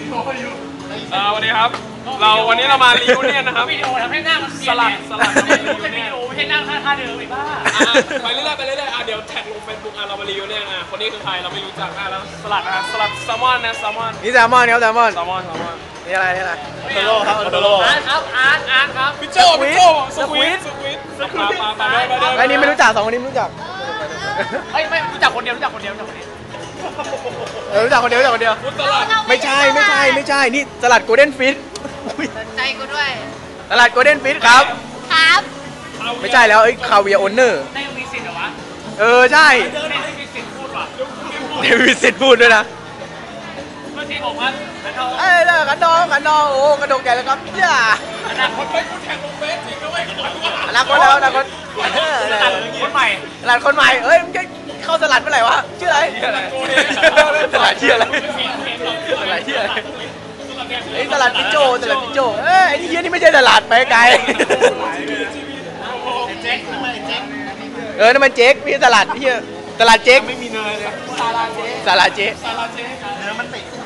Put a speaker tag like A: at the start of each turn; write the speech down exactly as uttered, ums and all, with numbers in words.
A: อ่าวันนี้ครับเราวันนี้เรามารีวิวเนี่ยนะครับ
B: วิดีโอทำให้หน้ามัน
A: สลัดสลัด
B: ไม่ใช่วิดีโอไม่ใช่หน้าท่าเดิมไอ้บ้า
A: ไปเรื่อยๆไปเรื่อยๆอ่ะเดี๋ยวแท็กลงเฟซบุ๊กอ่ะเรามารีวิวเนี่ยอ่ะคนนี้คือใครเราไม่รู้จักอ่ะแล้วสลัดนะสลัดแซลมอนนะแซลมอน
C: นี่แซลมอนครับแซลมอน
A: แซลมอนแซลมอน
C: นี่อะไรนี่อะไร
A: โตโร่ครับโตโร่
B: อาร์ตครับอาร์ตอาร์ตครับ
A: พิโจพิโจสควิดสควิดสควิดมาไปไปไป
C: ไอ้นี่ไม่รู้จักสองคนนี้ไม่รู้จัก
B: เฮ้ยไม่รู้จักคนเดียวรู้จักคนเดียวรู้จักคนเดียว
C: เออรู้จักคนเดียวรู้จักคนเดียวไม่ใช่ไม่ใช่ไม่ใช่นี่สลัดโกลเด้นฟิช
D: ใจกูด้วย
C: สลัดโกลเด้นฟิชครับ
D: ครับ
C: ไม่ใช่แล้วไอ้คาเวียโอนเนอร์
B: ได้มีสิทธิ์เหรอวะ
C: เออใช่
B: ได้มีสิทธิ์พูดว่ะ
C: เดวิดสิทธิ์พูดด้วยนะ
B: เมื่อกี้บอกว่าขันทอง
C: เอ้ยขันทองขันทองโอ้กระโดดใหญ่แล้วครับย่า
B: อนาคตไปคุณแข่งลงเฟสจริงนะเว้ย
C: อนาคตแล้วอนาคต
B: คนใหม่
C: สลัดคนใหม่เอ้ยมึงจะเข้าสลัดเมื่อไหร่วะชื่ออะไรสลัดชื่ออะไรสลัดชื่ออะไรไอ้สลัดพิโจสลัดพิโจเอ้ยไอ้นี่เฮียนี่ไม่ใช่สลัดไปไกลเออนั่นมันเจ๊กพี่สลัดพี่สลัดเจ๊ก
A: ไม่มีเนยเลย
C: สลัดเจ๊ก
A: สลัดเจ๊กเนื้อมันติด